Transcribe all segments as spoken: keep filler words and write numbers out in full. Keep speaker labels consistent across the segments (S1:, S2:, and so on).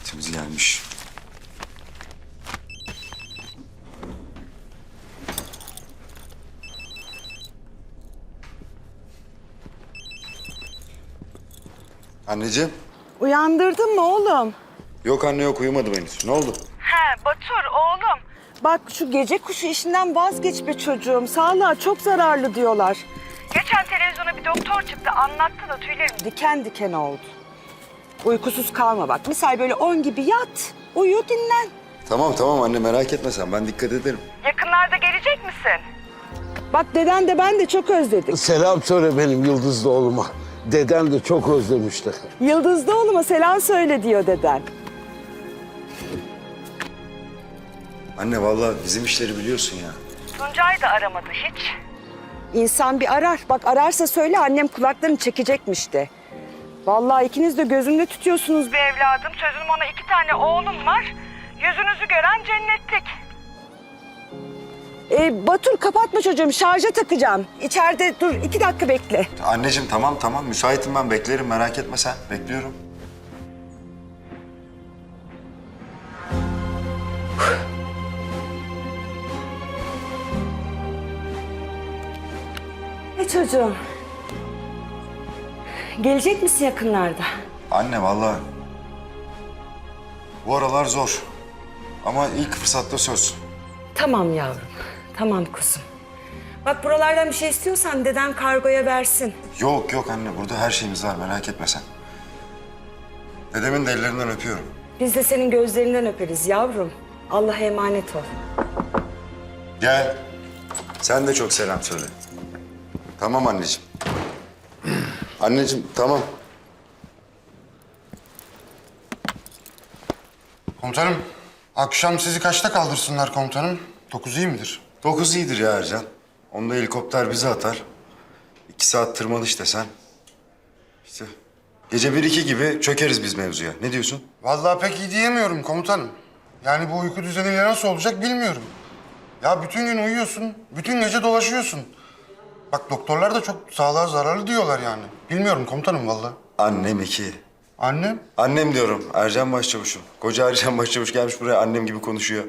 S1: Vaktimiz gelmiş. Anneciğim.
S2: Uyandırdın mı oğlum?
S1: Yok anne yok, uyumadım henüz. Ne oldu?
S2: He Batur oğlum. Bak şu gece kuşu işinden vazgeç be çocuğum. Sağlığa çok zararlı diyorlar. Geçen televizyona bir doktor çıktı, anlattı da tüylerim diken diken oldu. Uykusuz kalma bak. Misal böyle on gibi yat, uyu, dinlen.
S1: Tamam tamam anne, merak etme sen, ben dikkat ederim.
S2: Yakınlarda gelecek misin? Bak deden de ben de çok özledik.
S3: Selam söyle benim Yıldızlı oğluma. Deden de çok özlemişti.
S2: Yıldızlı oğluma selam söyle diyor deden.
S1: Anne vallahi bizim işleri biliyorsun ya.
S2: Tuncay da aramadı hiç. İnsan bir arar. Bak ararsa söyle, annem kulaklarını çekecekmiş de. Vallahi ikiniz de gözümde tutuyorsunuz be evladım. Sözüm ona iki tane oğlum var. Yüzünüzü gören cennetlik. Ee, Batur kapatma çocuğum, şarja takacağım. İçeride dur, iki dakika bekle.
S1: Anneciğim tamam tamam, müsaitim ben, beklerim, merak etme sen. Bekliyorum.
S2: E çocuğum. Gelecek misin yakınlarda?
S1: Anne vallahi bu aralar zor. Ama ilk fırsatta söz.
S2: Tamam yavrum, tamam kuzum. Bak buralardan bir şey istiyorsan deden kargoya versin.
S1: Yok yok anne, burada her şeyimiz var, merak etme sen. Dedemin de ellerinden öpüyorum.
S2: Biz de senin gözlerinden öperiz yavrum. Allah'a emanet ol.
S1: Gel. Sen de çok selam söyle. Tamam anneciğim. Anneciğim tamam.
S4: Komutanım, akşam sizi kaçta kaldırsınlar komutanım? Dokuz iyi midir?
S1: Dokuz iyidir ya Ercan. Onda helikopter bizi atar. İki saat tırmanış desen. İşte gece bir iki gibi çökeriz biz mevzuya. Ne diyorsun?
S4: Vallahi pek iyi diyemiyorum komutanım. Yani bu uyku düzeniyle nasıl olacak bilmiyorum. Ya bütün gün uyuyorsun, bütün gece dolaşıyorsun. Bak doktorlar da çok sağlığa zararlı diyorlar yani. Bilmiyorum komutanım vallahi.
S1: Annem iki.
S4: Annem?
S1: Annem diyorum, Ercan Başçavuş'um. Koca Ercan Başçavuş gelmiş buraya annem gibi konuşuyor.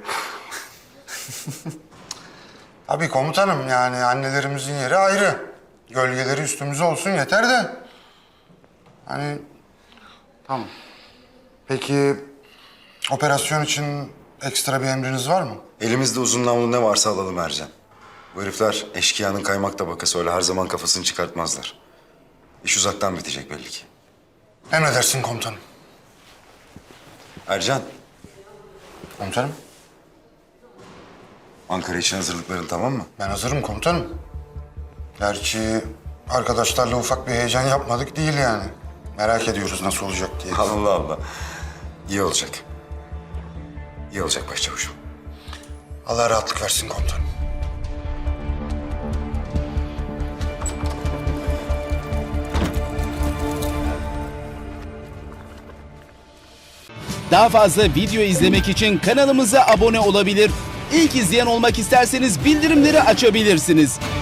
S4: Abi komutanım yani annelerimizin yeri ayrı. Gölgeleri üstümüze olsun yeter de. Hani tamam. Peki operasyon için ekstra bir emriniz var mı?
S1: Elimizde uzun namlu ne varsa alalım Ercan. Bu herifler eşkıyanın kaymak tabakası, öyle her zaman kafasını çıkartmazlar. İş uzaktan bitecek belli ki.
S4: Emredersin komutanım.
S1: Ercan,
S4: Komutanım
S1: Ankara için hazırlıkların tamam mı?
S4: ben hazırım komutanım. Gerçi arkadaşlarla ufak bir heyecan yapmadık değil yani. Merak ediyoruz nasıl olacak diye.
S1: Allah Allah. İyi olacak. İyi olacak Başçavuşum.
S4: Allah rahatlık versin komutanım.
S5: Daha fazla video izlemek için kanalımıza abone olabilir. İlk izleyen olmak isterseniz bildirimleri açabilirsiniz.